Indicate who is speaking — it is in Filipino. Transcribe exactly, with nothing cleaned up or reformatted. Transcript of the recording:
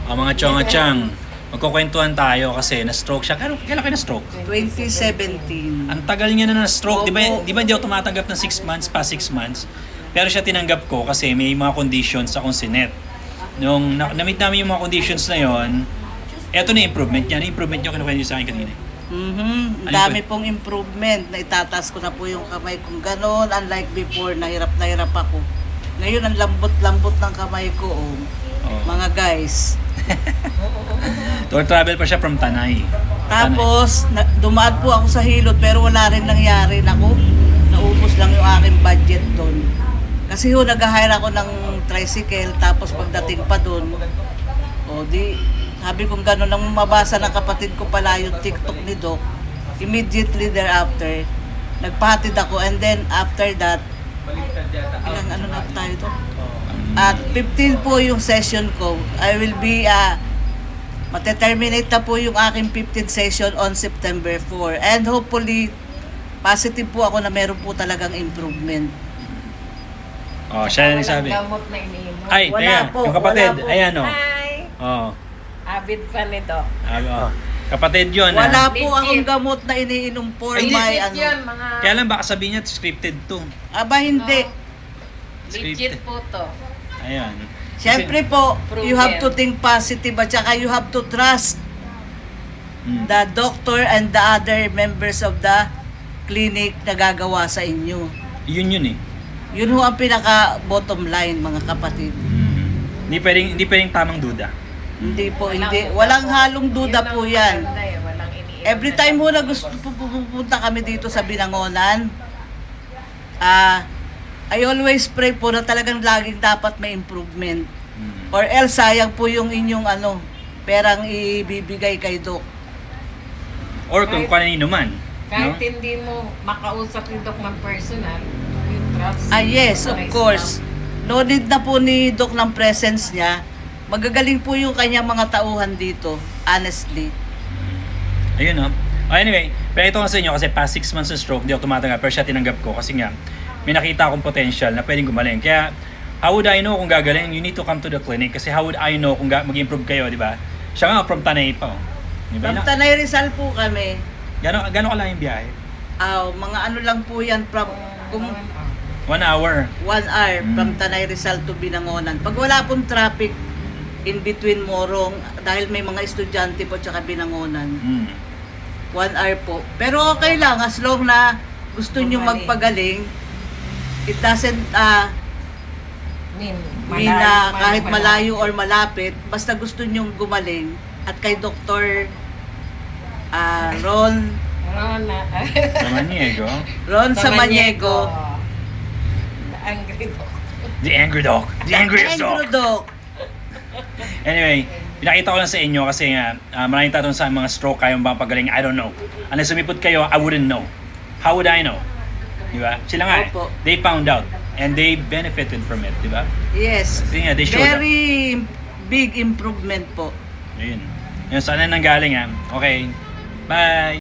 Speaker 1: O mga chong-chang, magkukwentuhan tayo kasi na-stroke siya. Kailan, kailan kayo na-stroke?
Speaker 2: twenty seventeen.
Speaker 1: Ang tagal niya na na-stroke. Di ba,
Speaker 2: Opo.
Speaker 1: di ba hindi ako tumatanggap ng six months pa six months? Pero siya tinanggap ko kasi may mga conditions akong sinet. Nung na- na-meet namin yung mga conditions na yon, eto na yung improvement niya. Ano yung improvement niyo kinukwento niyo sa akin kanina?
Speaker 2: Mhm.
Speaker 1: Ano
Speaker 2: Dami
Speaker 1: po?
Speaker 2: pong improvement. Naitataas ko na po yung kamay kong ganon. Unlike before, nahirap na hirap ako. Ngayon, ang lambot-lambot ng kamay ko, oh.
Speaker 1: Oh.
Speaker 2: Mga guys.
Speaker 1: Tour travel pa siya from Tanay.
Speaker 2: Tapos, na, dumaan po ako sa Hilot pero wala rin nangyari. Naku, naubos lang yung aking budget doon. Kasi ho, nag-hire ako ng tricycle tapos pagdating pa doon, o di, sabi kong gano'n, nang mabasa ng kapatid ko pala yung TikTok ni Doc, immediately thereafter, nagpahatid ako and then after that, ilang ano na tayo Doc? At fifteen po yung session ko. I will be, uh, mateterminate na po yung aking fifteenth session on September fourth. And hopefully, positive po ako na meron po talagang improvement.
Speaker 1: Oh, siya na nagsabi.
Speaker 3: Walang gamot na iniinom.
Speaker 1: Ay,
Speaker 2: Wala
Speaker 1: teka,
Speaker 2: po,
Speaker 1: yung kapatid,
Speaker 2: wala po.
Speaker 1: ayan o.
Speaker 3: Hi!
Speaker 1: Oh.
Speaker 3: Abid pa nito.
Speaker 1: Ah, oh. Kapatid yun
Speaker 2: Wala
Speaker 1: ha.
Speaker 2: po
Speaker 3: Legit.
Speaker 2: akong gamot na iniinom for
Speaker 1: Ay,
Speaker 2: my
Speaker 3: Legit
Speaker 2: ano.
Speaker 3: yun, mga...
Speaker 1: Kaya lang baka sabihin niya scripted to.
Speaker 2: Aba, hindi.
Speaker 3: Legit po to.
Speaker 1: Ayan.
Speaker 2: Siyempre po, you have to
Speaker 3: Proven.
Speaker 2: think positive at saka you have to trust
Speaker 1: Mm.
Speaker 2: the doctor and the other members of the clinic na gagawa sa inyo.
Speaker 1: Yun yun eh.
Speaker 2: Yun ho ang pinaka bottom line, mga kapatid.
Speaker 1: Mm. Hindi pwedeng, hindi pwedeng tamang duda.
Speaker 2: Hindi po,
Speaker 3: Walang
Speaker 2: hindi.
Speaker 3: duda
Speaker 2: Walang
Speaker 3: po.
Speaker 2: halong duda
Speaker 3: Yun
Speaker 2: po
Speaker 3: ang
Speaker 2: yan.
Speaker 3: maganda eh, walang iniinom
Speaker 2: Every
Speaker 3: na
Speaker 2: time ho
Speaker 3: gamot.
Speaker 2: na gusto pu- pu- pupunta kami dito sa Binangonan, ah, I always pray po na talagang laging dapat may improvement.
Speaker 1: Mm.
Speaker 2: Or else sayang po yung inyong ano, perang ibibigay kay Doc.
Speaker 1: Or kung
Speaker 3: Kahit-
Speaker 1: kanino man.
Speaker 3: Kahit
Speaker 1: No?
Speaker 3: hindi mo makausap yung Doc ng personal, yung trust.
Speaker 2: Ah yes, of
Speaker 3: Authorized
Speaker 2: course.
Speaker 3: na.
Speaker 2: No need na po ni Doc ng presence niya. Magagaling po yung kanyang mga tauhan dito, honestly.
Speaker 1: Ayun no. Oh, anyway, pero ito nga sa inyo kasi past six months ng stroke, di ako tumatanggap. Pero siya tinanggap ko kasi nga, may nakita akong potential na pwedeng gumaling. Kaya, how would I know kung gagaling? You need to come to the clinic kasi how would I know kung ga- mag-improve kayo, di ba? Siya nga from Tanay pa. Oh. Di ba?
Speaker 2: From Tanay Rizal po kami.
Speaker 1: Gano'n gano ka lang yung biyahe?
Speaker 2: Ah, mga ano lang po yan from kung
Speaker 1: One hour.
Speaker 2: one hour
Speaker 1: Mm.
Speaker 2: from Tanay Rizal to Binangonan. Pag wala pong traffic in between Morong, dahil may mga estudyante po tsaka Binangonan,
Speaker 1: Mm.
Speaker 2: one hour po. Pero okay lang, as long na gusto nyo
Speaker 3: Gumaling.
Speaker 2: magpagaling, it doesn't uh,
Speaker 3: Min,
Speaker 2: mean na
Speaker 3: malayo,
Speaker 2: kahit
Speaker 3: malayo.
Speaker 2: malayo or malapit, basta gusto nyo gumaling. At kay Doktor ah, Ron,
Speaker 3: Ron, ah,
Speaker 1: Samaniego.
Speaker 2: Ron Samaniego,
Speaker 3: Angry Doc.
Speaker 1: The angry dog. The angriest
Speaker 2: Andrew
Speaker 1: dog.
Speaker 2: Doc.
Speaker 1: Anyway, pinakita ko lang sa inyo kasi nga, uh, maraming tatanong sa mga stroke, kayong bang pagaling? I don't know. Unless sumipot kayo, I wouldn't know. How would I know? Di ba? Sila nga, eh,
Speaker 2: Opo.
Speaker 1: they found out and they benefited from it, di ba?
Speaker 2: Yes.
Speaker 1: Kasi nga, they showed up.
Speaker 2: Very big improvement po.
Speaker 1: Ayun. Yun, saan na nanggaling ha? Okay. Bye!